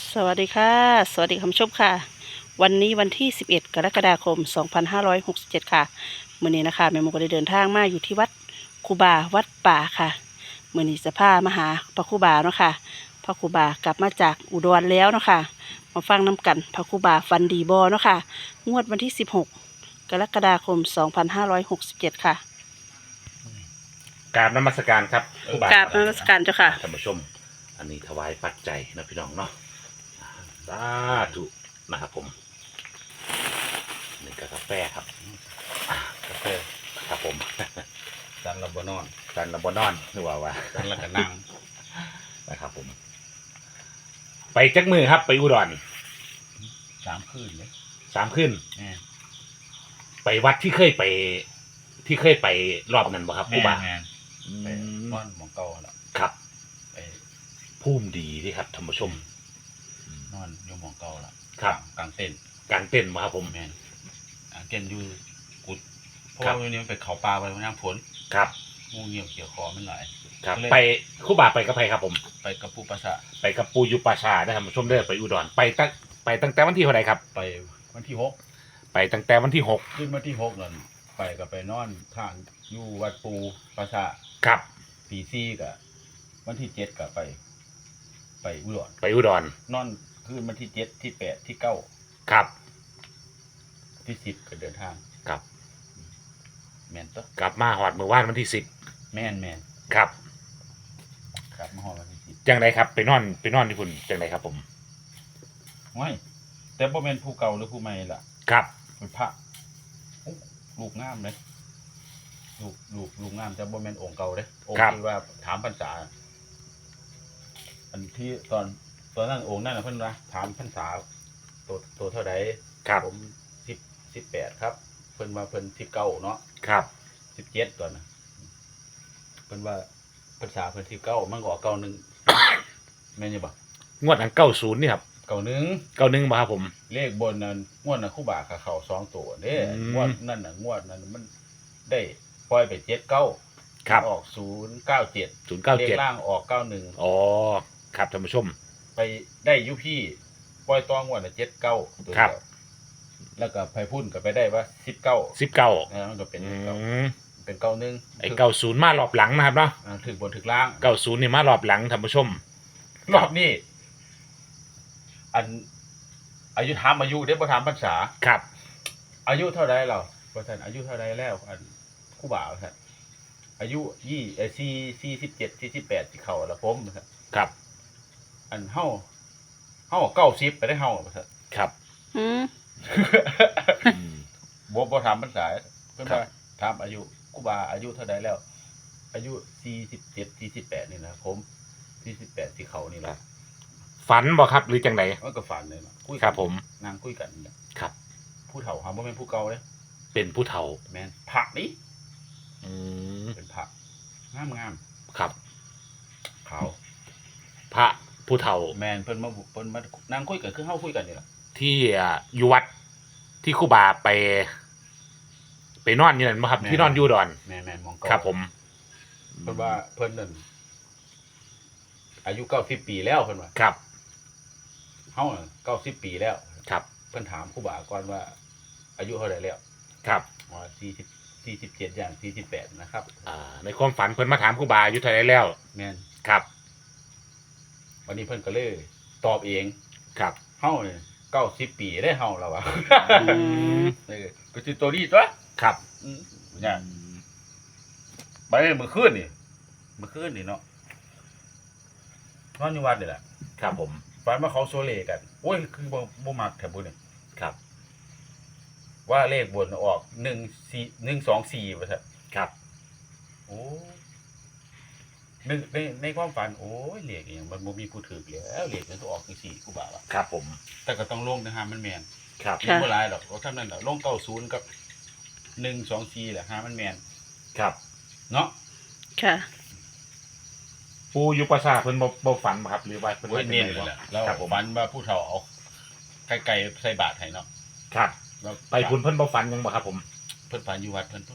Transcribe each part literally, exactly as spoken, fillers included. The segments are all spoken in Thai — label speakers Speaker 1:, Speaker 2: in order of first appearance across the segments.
Speaker 1: สวัสดีค่ะสวัสดีคุณผู้ชมค่ะวันนี้วันที่สิบเอ็ดกรกฎาคมสองพันห้าร้อยหกสิบเจ็ดค่ะมื้อนี้นะคะแม่หมูก็ได้เดินทางมาอยู่ที่วัดครูบาวัดป่าค่ะมื้อนี้จะพามาหาพระครูบาเนาะค่ะพระครูบากลับมาจากอุดรแล้วเนาะค่ะมาฟังน้กันพระครูบาฟันดีบ่เนาะค่ะงวดวันที่สิบหกกรกฎาคมสองพันห้าร้อยหกสิบเจ็ดค่ะ
Speaker 2: กราบนมัสการครับครูบาก
Speaker 1: ราบนมัสการเจ้าค่ะ
Speaker 2: ท่านผู้ชม อันนี้ถวายปัจจัยนะพี่น้องเนาะสาธุนะครับผมนี่ก็กาแฟครับอ่ากาแฟครับผม
Speaker 3: ดันระบนอน
Speaker 2: กันระบนอนหรือว่าว่า
Speaker 3: ดันละกันนั่ง
Speaker 2: นะครับผม ไปจักมือครับ ไปอุดร
Speaker 3: สามคืนเลย
Speaker 2: สามขึ้น
Speaker 3: แม่
Speaker 2: ไปวัดที่เคยไป ที่เคยไปรอบนั้นบ่ครับครูบา
Speaker 3: แม่
Speaker 2: อื
Speaker 3: ไป
Speaker 2: ม
Speaker 3: นอนหมองเก่าแล้ว
Speaker 2: ครับ
Speaker 3: ไป
Speaker 2: ภูมิดีที่ครับท่านผู้ชม
Speaker 3: นอนอยู่หมองเก่าแล้ว
Speaker 2: ครับ
Speaker 3: กลางเต็นท์
Speaker 2: กลางเต้นท์มาครับผม
Speaker 3: แม่กลางเต็นท์อยู่กุดเพราะ
Speaker 2: ครับ
Speaker 3: ว่าวันนี้มันไปเขาปลาไปน้ำฝน
Speaker 2: ครับ
Speaker 3: งูเงี่ยวเกี่ยวคอมันหลาย
Speaker 2: ครับ
Speaker 3: ก็เลย
Speaker 2: ไปครูบาไปกับใครครับผม
Speaker 3: ไปกับปูปะสะ
Speaker 2: ไปกับปูยุปาชาได้ครับผู้ชมเด้อไปอุดรไปตั้งไปตั้งแต่วันที่เท่าไหร่ครับ
Speaker 3: ไปวันที่หก
Speaker 2: ไปตั้งแต่วันที่หก
Speaker 3: ขึ้นวันที่หกนั่นไปก็ไปนอนทางอยู่วัดปูปะสะ
Speaker 2: ครับ
Speaker 3: ปีซี่กับวันที่เจ็ดก็ไป ไปอุดร
Speaker 2: ไปอุดร
Speaker 3: นอนคืนวันที่เจ็ดที่แปดที่เก้า
Speaker 2: ครับ
Speaker 3: ที่สิบก็เดินทาง
Speaker 2: ครับ
Speaker 3: แมนตัว
Speaker 2: กลับมาหอดเมื่อวานวันที่สิบ
Speaker 3: แมนแมน
Speaker 2: ครับ
Speaker 3: ครับมาหอวันที่สิบ
Speaker 2: จังไรครับไปนอนไปนอนที่คุณจังไรครับผม
Speaker 3: ว้ายแต่บ่แมนผู้เก่าหรือผู้ใหม่ล่ะ
Speaker 2: ครับ
Speaker 3: เป็นพระโอ้ลูกงามเลยลูกลูกลูกงามแต่บ่แมนองค์เก่าเลยองค์ที่ว่าถามพรรษาอันที่ตอนตอนนั้นองค์นั่นน่ะเพิ่นว่าถามพรรษาตัวตัวเท่าใด
Speaker 2: ครับ
Speaker 3: ผมสิบสิบแปดครับ เพิ่นว่าเพิ่นสิบเก้าเนาะ
Speaker 2: ครับ
Speaker 3: สิบเจ็ดตอนน่ะเพิ่นว่าพรรษาเพิ่นสิบเก้ามันก็เก้าหนึ่งแม่นอยู่บ่
Speaker 2: งวดอันเก้าศูนย์นี่ครับ
Speaker 3: เก้าหนึ่ง
Speaker 2: เก้าหนึ่งมาครับผม
Speaker 3: เลขบนนั้นงวดนั้นคู่บากับเขาสองตัวเด้
Speaker 2: อืม
Speaker 3: งวดนั่นน่ะงวดนั้นมันได้ปล่อยไปเจ็ดเก้า
Speaker 2: ครับ
Speaker 3: ออกศูนย์เก้าเจ็ด
Speaker 2: ศูนย์เก้า
Speaker 3: เลข
Speaker 2: เจ็ด
Speaker 3: ล่างออกเก้าหนึ่ง
Speaker 2: อ๋อครับท่านผู้ชม
Speaker 3: ไปได้อยุพี่ปล่อยตองวดน่ะเจ็ดเก้าตัว
Speaker 2: ครับ
Speaker 3: เดียวแล้วก็ไพพุ่นก็ไปได้ว่าสิบเก้า
Speaker 2: สิบเก้า
Speaker 3: นะมันก็เป็น
Speaker 2: อื
Speaker 3: เก้าม เป็นเก้าหนึ่ง
Speaker 2: ไอเก้าศูนย์มารอบหลังนะครับเนาะ
Speaker 3: อ่าถึงบนถึงล่าง
Speaker 2: เก้าศูนย์นี่มารอบหลังท่านผู้ชม
Speaker 3: รอบนี้อันอายุถามอายุได้บ่ถามพรรษา
Speaker 2: ครับ
Speaker 3: อายุเท่าไรเราว่าท่านอายุเท่าไรแล้วอันคู่บ่าวท่านอายุยี่เอสี่สี่สิบเจ็ดสี่สิบแปดที่เขาละผมท่าน
Speaker 2: ครับ
Speaker 3: อันเฮาเฮาเก้าสิบไปได้เฮาท่าน
Speaker 2: ครับ
Speaker 1: อืม
Speaker 2: อืม
Speaker 3: บ่บ่ถามภาษาเพิ่น
Speaker 2: ครับ
Speaker 3: ว่าถามอายุคู่บ่าวอายุเท่าไรแล้ว อายุสี่สิบเจ็ดสี่สิบแปดนี่นะผมสี่สิบแปดที่เขานี่แหละ
Speaker 2: ฝันบ่ครับหรือจังไร
Speaker 3: มันก็ฝันเลยเนาะคุยกัน
Speaker 2: ครับผม
Speaker 3: นางคุยกันนี่แหละ
Speaker 2: ครับ
Speaker 3: ผู้เฒ่าหาบ่แม่นผู้เก่าเด้
Speaker 2: เป็นผู้เฒ่า
Speaker 3: แม่นผักนี่
Speaker 2: อืม
Speaker 3: เป็นผักงาม
Speaker 2: ครับ
Speaker 3: ๆขาว
Speaker 2: พระผู้เฒ่า
Speaker 3: แม่นเพิ่นมาเพิ่นมานั่งคุยกันคือเฮาคุยกันนี่ล่ะ
Speaker 2: ที่อ่าอยู่วัดที่ครูบาไป ไปนอนอยู่นั่นบ่ครับ ที่นอนอยู่อุดอน
Speaker 3: แม่นแม่นมองเก่า
Speaker 2: ครับผม
Speaker 3: เพิ่นว่าเพิ่นนั่นอายุเก้าสิบปีแล้วเพิ่นว่า
Speaker 2: ครับ
Speaker 3: เฮาน่ะเก้าสิบปีแล้ว
Speaker 2: ครับ
Speaker 3: เพิ่นถามครูบาก่อนว่า อายุเท่าไหร่แล้ว
Speaker 2: ครับ
Speaker 3: อ๋อสี่สิบ สี่สิบเจ็ดอย่างสี่สิบแปดนะครับ
Speaker 2: อ่า ในความฝันเพิ่นมาถามครูบาอายุเท่าไหรแล้ว
Speaker 3: แม่น
Speaker 2: ครับ
Speaker 3: วันนี้เพิ่นก็เลยตอบเอง
Speaker 2: ครับ
Speaker 3: เฮาเนี่ยเก้าสิบปีได้เฮาแล้วว่ะ
Speaker 2: อืม
Speaker 3: เออก็สิตัวนี้ตัว
Speaker 2: ครับ
Speaker 3: อืมเนี่ยไปเมื่อคืนนี่เมื่อคืนนี่เนาะนอนอยู่วัดนี่แหละ
Speaker 2: ครับผม
Speaker 3: ฝันว่าเขาโซเลกันโอ้ยคือบ่บ่มักแถวบุญนี่
Speaker 2: ครับ
Speaker 3: ว่าเลขบนออกหนึ่งสี่หนึ่งสองสี่ว่าซะ
Speaker 2: ครับ
Speaker 3: โอ้ในในในความฝันโอ้ยเลขอหย่างมันบ่มีผู้ถือแล้วเลขมันต้องออกจังซี่กูบ่าว่า
Speaker 2: ครับผม
Speaker 3: แต่ก็ต้องลงนะฮะมันแม่น
Speaker 2: ครับ
Speaker 3: มีบ่หลายหรอกเพราะเท่านั้นแหละลงเก้าศูนย์กับหนึ่งสองสี่แหละฮะมันแม่น
Speaker 2: ครับ
Speaker 3: เนาะ
Speaker 1: ค่ะ
Speaker 2: ปูยุปสาเพิ่นบ่บ่ฝันบ่ครับ หรือว่าเพิ่น
Speaker 3: โอ้ย
Speaker 2: ว่าจัง
Speaker 3: เน้น
Speaker 2: ได
Speaker 3: เลย
Speaker 2: บ่
Speaker 3: แหละแล้ว
Speaker 2: ครับผม
Speaker 3: ฝันว่าผู้เฒ่าเอาไก่ๆใส่บาตรให้เนาะ
Speaker 2: ครับ
Speaker 3: แล้ว
Speaker 2: ไปพุ่นเพิ่นบ่ฝันหยังบ่ครับผม
Speaker 3: เพิ่นฝันอยู่วัดเพิ่นเพิ่น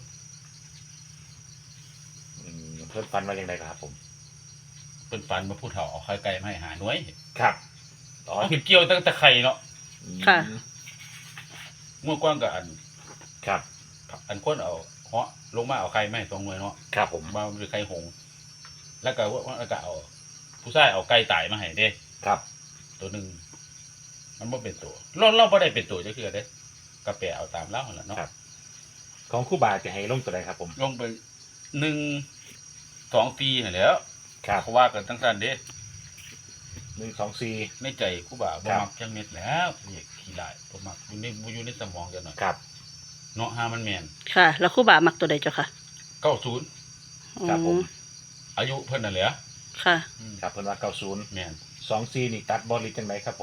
Speaker 2: อืมเพิ่นฝันว่าจังไดครับผม
Speaker 3: เพิ่นฝันว่าผู้เฒ่าเอาไข่ไก่มาให้หาหน่วย
Speaker 2: ครับ
Speaker 3: อ
Speaker 2: อ๋อ
Speaker 3: ขึ้นเกี่ยวตั้งแต่ไข่เนาะ
Speaker 1: ค่ะ
Speaker 3: เมื่อก่อนก็อัน
Speaker 2: ครับ
Speaker 3: อันคนเอาเหาะลงมาเอาไข่มาให้ตรงหน่วยเนาะ
Speaker 2: ครับผม
Speaker 3: มาเป็นไข่หงส์แล้วก็ว่าแล้วก็เอา ผู้ชายเอาไก่ตายมาให้เด้
Speaker 2: ครับ
Speaker 3: ตัวหนึงมันบ่เป็นตัวเราเราบ่ได้เป็นตัวจักเทื่อเด้ก็แปลเอาตามเล่าหั่นล่ะเนาะ
Speaker 2: ครับ ของครู่บาจะให้ลงตัวใดครับผม
Speaker 3: ลงไปหนึ่ง สองปีนั่นแหล้ว
Speaker 2: ครับ
Speaker 3: เขาว่ากันทั้งสั้นเด้
Speaker 2: หนึ่งสองสี่
Speaker 3: ในใจกูบ่าบ่
Speaker 2: ครับ
Speaker 3: มักจังเม็ดแล้วเรียกขี้ลายบ่มักอยู่ในบ่อยู่ในสมองจังหน่อย
Speaker 2: ครับ
Speaker 3: เนาะหามันแม่น
Speaker 1: ค่ะ แล้วครู่บ่ามักตัวใดเจ้าค่ะ
Speaker 3: เก้าสิบ
Speaker 2: ครับผม
Speaker 1: อื
Speaker 3: อายุเพิ่นนั่นแหละ
Speaker 1: ค่ะ
Speaker 3: อืม
Speaker 2: ครับเพิ่นว่าเก้าศูนย์
Speaker 3: แม่น
Speaker 2: สองสี่นี่ตัดบอลลิจังไดครับผม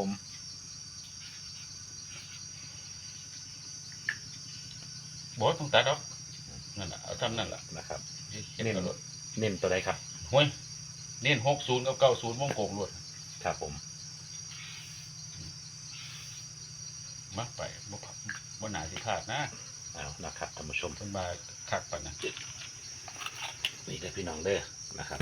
Speaker 3: บ่ต้องตัดดอกนั่นน่ะเอาทำนั่นล่ะ
Speaker 2: นะครับ
Speaker 3: เฮ็ดกระโดด
Speaker 2: เน้นตัวใดครับ
Speaker 3: ห้วยเน้นหกสิบกับเก้าสิบวงกลมรวด
Speaker 2: ครับผม
Speaker 3: มาไปบ่พับบ่น่าสิพลาดนะ
Speaker 2: เอานะครับท่านผู้ชม
Speaker 3: เพิ่นว่าคักปานนั้น
Speaker 2: นี่เด้อพี่น้องเด้อนะครับ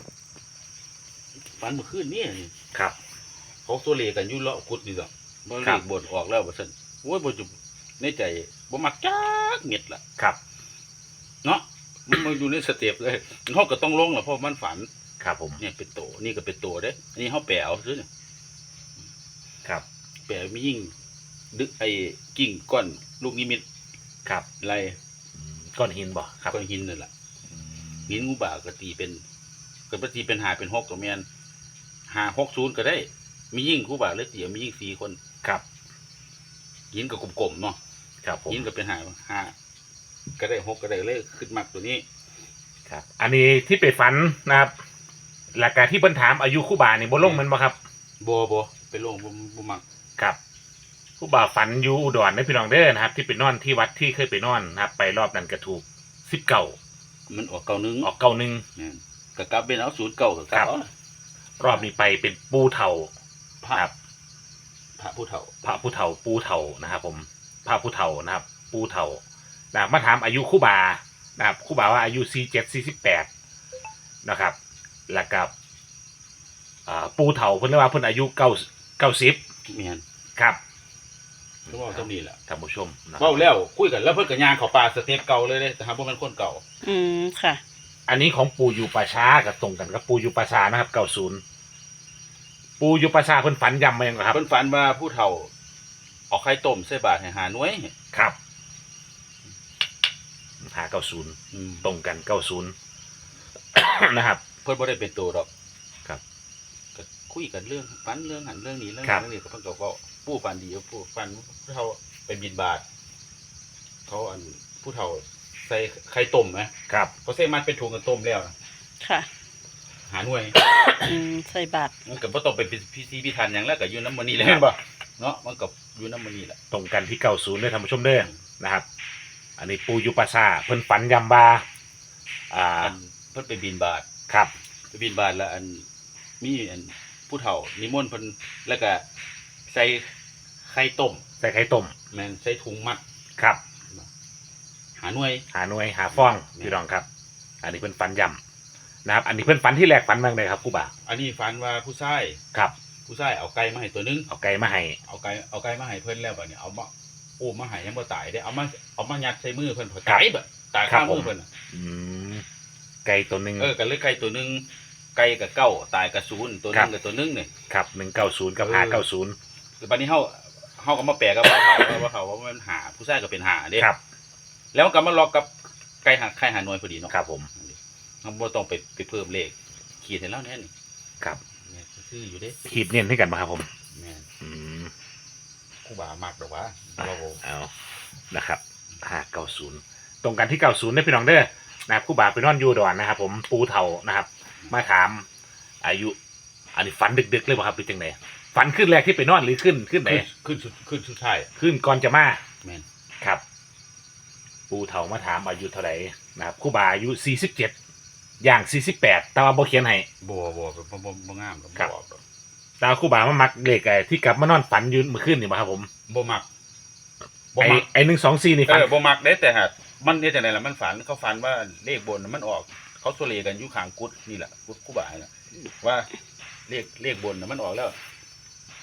Speaker 3: ฝันเมื่อคืนนี้นี่
Speaker 2: ครับ
Speaker 3: เขาตัวเลขกันอยู่เลาะกุดนี่ดอกบ่
Speaker 2: ค
Speaker 3: เล
Speaker 2: รับ
Speaker 3: ขบ่นออกแล้วว่าซั่นโอ้ยบ่จุในใจบ่มักจักเม็ดล่ะ
Speaker 2: ครับ
Speaker 3: เนาะมันมาอยู่ในสเต็ปเลยเฮาก็ต้องลงล่ะเพราะมันฝัน
Speaker 2: ครับผม
Speaker 3: เนี่ยเป็นโตนี่ก็เป็นโตเด้อันนี้เฮาแปลเอาซื่อเนี่ย
Speaker 2: ครับ
Speaker 3: แปลมียิ่งดึกไอ้กิ่งก้อนลูกนิมิต
Speaker 2: ครับ
Speaker 3: ไร
Speaker 2: อืมก้อนหินบ่ครับ
Speaker 3: ก้อนหินนั่นล่ะ
Speaker 2: อืม
Speaker 3: หินงูบ่าก็ตีเป็นก็บ่ตีเป็นหาเป็นหกก็แม่นห้า หก ศูนย์ก็ได้ มียิ่งครูบาเลยตีมียิ่งสี่คน
Speaker 2: ครับ
Speaker 3: หินก็กลมๆเนาะ
Speaker 2: ครับผม
Speaker 3: หินก็เป็นหาห้าก็ได้หกก็ได้เลยขึ้นมักตัวนี้
Speaker 2: ครับ อันนี้ที่ไปฝันนะครับหลักการที่เพิ่นถามอายุครู่บานี่บ่ลงแมันบ่ครับ
Speaker 3: บ่บ่เป็นโรงบ่บ่มัก
Speaker 2: ครับครู่บาฝันอยู่อุดรนะพี่น้องเด้อนะครับ ที่ไปนอนที่วัดที่เคยไปนอนนะครับ ไปรอบนั้นก็ถูกสิบเก้า
Speaker 3: มันออกเก่าหนึง
Speaker 2: ออกเก้าหนึ่ง
Speaker 3: แม่นก็กลับเป็นเอาศูนย์เก่าก็กลั
Speaker 2: ครับ บ
Speaker 3: เอา
Speaker 2: รอบนี้ไปเป็นปูเถา
Speaker 3: พระ
Speaker 2: ครับ
Speaker 3: พระผู้เฒ่า
Speaker 2: พระผู้เฒ่าปูเถานะครับ ผมพระผู้เฒ่านะครับ ปูเถานะครับมาถามอายุครู่บานะครับครู่บาว่าอายุสี่เจ็ดสี่สิบแปดนะครับ แล้วกับอ่าปูเถาเพิ่นเรียกว่าเพิ่นอายุเก้าเก้าสิบ
Speaker 3: แม่น
Speaker 2: ครับ
Speaker 3: ก็เว้าจังนี้แหละ
Speaker 2: ท่านผู้ชมนะครั
Speaker 3: เว้า
Speaker 2: บ
Speaker 3: แล้วคุยกันแล้วเพิ่นก็ย่างเข้าป่าสเต็ปเก่าเลยเด้แต่หาบ่แม่นคนเก่า
Speaker 1: อืม ค่ะ
Speaker 2: อันนี้ของปูอยู่ป่าช้ากับตรงกันกับปูอยู่ป่าช้านะครับเก้าศูนย์ปูอยู่ป่าช้าเพิ่นฝันยำมายังครับ
Speaker 3: เพิ่นฝันว่าผู้เฒ่าเอาไข่ต้มใส่บาตรให้หาหน่วย
Speaker 2: ครับหาเก้าศูนย์
Speaker 3: อืม
Speaker 2: ตรงกันเก้าศูนย์ นะครับ
Speaker 3: เพิ่นบ่ได้เป็นตัวดอก
Speaker 2: ครับ
Speaker 3: ก็คุยกันเรื่องฝันเรื่องหันเรื่องนี้เรื่อง
Speaker 2: ครั
Speaker 3: นั้น
Speaker 2: บ
Speaker 3: เรื่องนี้ก็เพิ่นก็เว้าผู้ฝันดีผู้ฝันผู้เฒ่าไปบิณฑบาตเขาอันผู้เฒ่าใส่ไข่ต้มไหม
Speaker 2: ครับ
Speaker 3: เขาใส่มันเป็นถุงกันต้มแล้วนะ
Speaker 1: ค่ะ
Speaker 3: หาหน่วย
Speaker 1: อืม ใส่บาตร
Speaker 3: มันก็บ่ต้องไปพิธีพิธันหยังแล้วก็อยู่น้ำมันนี่แหละ
Speaker 2: เห็นบ่
Speaker 3: เนาะมันก็อยู่น้ำมันนี่แหละ
Speaker 2: ตรงกันที่เก้าศูนย์เลยท่านผู้ชมเด้อนะครับ อันนี้ปูอยู่ป่าช้าเพิ่นฝันยำบาอ่า
Speaker 3: อันเพิ่นไปบิณฑบาต
Speaker 2: ครับ
Speaker 3: ไปบิณฑบาตแล้วอันมีอันผู้เฒ่านิมนต์เพิ่นแล้วก็ใส่ไข่ต้ม
Speaker 2: ใส่ไข่ต้ม
Speaker 3: แม่นใส่ถุงมัด
Speaker 2: ครับ
Speaker 3: หาหน่วย
Speaker 2: หาหน่วยหาฟ้องพี่น้องครับ อันนี้เพิ่นฝันยำนะครับ อันนี้เพิ่นฝันที่แรกฝันเมื่อไงครับครู่บ่า
Speaker 3: อันนี้ฝันว่าผู้ชาย
Speaker 2: ครับ
Speaker 3: ผู้ชายเอาไก่มาให้ตัวหนึง
Speaker 2: เอาไก่มาให้
Speaker 3: เอาไก่เอาไก่มาให้เพิ่นแล้วบัดนี้เอามาโอ้มาให้ยังบ่ตายได้เอามาเอามายัดใส่มือเพิ่นเพิ่นตายแบบตายข้างมือเพิ่นน่ะ
Speaker 2: อืมไก่ตัวหนึ่ง
Speaker 3: เออก็เลยไก่ตัวหนึงไก่กับเก้าตายกับศูนย์ตัวหนึงกับตัวหนึงนี่
Speaker 2: ครับหนึ่งเก้าศูนย์กับห้าเก้าศูนย์
Speaker 3: คือบัดนี้เฮาเฮาก็มาแปลกับว่าเขาว่าเขาว่ามันหาผู้ชายก็เป็นหาเด้
Speaker 2: ครับ
Speaker 3: แล้วมันก็มาล็อกกับไก่หาไข่หาหน่วยพอดีเนาะ
Speaker 2: ครับผม
Speaker 3: เราบ่ต้องไปไปเพิ่มเลขขีดให้แล้วแน่นี่
Speaker 2: ครับ
Speaker 3: เนี่ยซื้ออยู่เด้
Speaker 2: ขีดเนียนให้กันมาครับผม
Speaker 3: แม่น
Speaker 2: อืม
Speaker 3: ครูบามากดอกว่า
Speaker 2: อ่ะ
Speaker 3: เรา
Speaker 2: เอานะครับห้าเก้าศูนย์ตรงกันที่เก้าศูนย์ได้พี่น้องเด้อนะครับครู่บาไปนอนอยูดอนนะครับ ผมปูเทานะครับ มาถามอายุ อันนี้ฝันดึกๆเลยป่ะครับหรือจังไหนฝันขึ้นแรกที่ไปนอนหรือขึ้นขึ้นไหน
Speaker 3: ขึ้นขึ้นสุดขึ้นสุดท้าย
Speaker 2: ขึ้นก่อนจะมา
Speaker 3: แม่น
Speaker 2: ครับ ปูเถามาถามอายุเท่าไหร่นะครับครู่บาอายุสี่สิบเจ็ดอย่างสี่สิบแปดแต่ว่าบ่เขียนให้
Speaker 3: บ่บ่บ่บ่บ่งามดอก
Speaker 2: ครับ
Speaker 3: บ่ออกดอก
Speaker 2: แต่ว่าครู่บามามักเลขไอ้ที่กลับมานอนฝันอยืนเมื่อคืนนี่มาครับผม
Speaker 3: บ่มักบ่
Speaker 2: ไอ้
Speaker 3: มัก
Speaker 2: ไอ้หนึ่งสองสี่นี่
Speaker 3: เอ
Speaker 2: ฝัน
Speaker 3: อบ่มักเด้แต่หากมันเนี่ยจังได๋ล่ะมันฝันเขาฝันว่าเลขบนน่ะมันออก เขาโซเลกันอยู่ข้างกุดนี่แหละกุดครูบาน่ะว่าเลขเลขบนน่ะมันออกแล้ว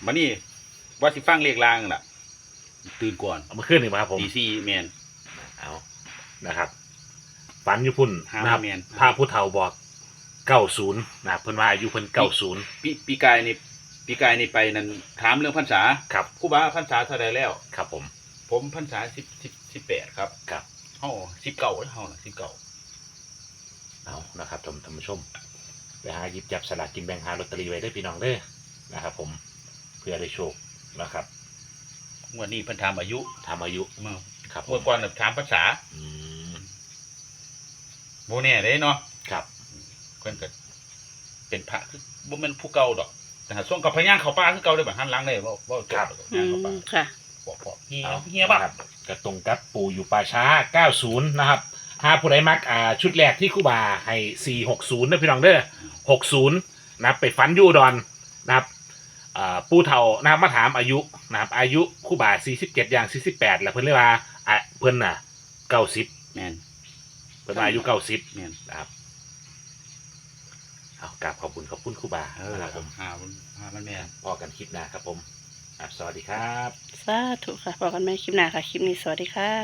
Speaker 3: มานี่ว่าสิฟังเลขลางล่ะตื่นก่อน
Speaker 2: เอามาขึ้นหนึ่งมาครับผม
Speaker 3: ตีสี่แมน
Speaker 2: เอานะครับฝันอยู่พุ่น
Speaker 3: ห้า
Speaker 2: นะครับ
Speaker 3: แม่น
Speaker 2: พระผู้เฒ่าบอกเก้าศูนย์นะครับเพิ่นว่าอายุเพิ่นเก้าศูนย์
Speaker 3: ปีปีกายนี่ปีกายนี่ไปนั่นถามเรื่องพรรษา
Speaker 2: ครับ
Speaker 3: ครูบาพรรษาเท่าไรแล้ว
Speaker 2: ครับผม
Speaker 3: ผมพรรษาสิบสิบสิบแปดครับ
Speaker 2: ครับ
Speaker 3: เฮาสิบเก้าเฮาน่ะสิบเก้า
Speaker 2: เอานะครับท่านท่านผู้ชมไปหาหยิบจับสลากกินแบ่งหาลอตเตอรี่ไว้ได้อพี่น้องเด้อนะครับผมเพื่อได้โชคนะครับ
Speaker 3: งวดนี้เพิ่นถามอายุ
Speaker 2: ทำอายุ
Speaker 3: เมื่อ
Speaker 2: ครับผ
Speaker 3: งวด
Speaker 2: ม
Speaker 3: ก่อนน่ะถามภาษา
Speaker 2: อืม
Speaker 3: บ่แน่เด้เนาะ
Speaker 2: ครับ
Speaker 3: เพิ่นก็เป็นพระคือบ่แม่นผู้เก่าดอกแต่หาช่วงกับพญางเขาป่าคือเก่าได้บ่หันหลังได้บ่บ่จบ
Speaker 1: อื
Speaker 3: ย่างเขาป่าม
Speaker 1: ค่ะ
Speaker 3: บอกบอกเฮีย
Speaker 2: เอา
Speaker 3: เฮียบ่
Speaker 2: นะครับกระตรงกับปู่อยู่ป่าช้าเก้าศูนย์นะครับหาผู้ใดมักอ่าชุดแรกที่ครู่บาให้สี่หกศูนย์นะพี่น้องเด้อหกศูนย์นะครับไปฟันอยูอุดอนนะครับอ่าปู่เฒ่านะครับมาถามอายุนะครับอายุครู่บาสี่สิบเจ็ดอย่างสี่สิบแปดแล้วเพิ่นเรียกว่าอ่ะเพิ่นน่ะเก้าสิบ
Speaker 3: แม่น
Speaker 2: เพิ่นว่าอายุเก้าสิบ
Speaker 3: แม่น
Speaker 2: นะครับเอากราบขอบคุณขอบคุณครู่บา
Speaker 3: เออ
Speaker 2: นะครับผม
Speaker 3: หามันหามันแม่น
Speaker 2: พอกันคลิปหน้าครับผมอ่ะสวัสดีครับ
Speaker 1: สาธุค่ะบอกกันไหมคลิปหน้าค่ะ คลิปนี้สวัสดีค่ะ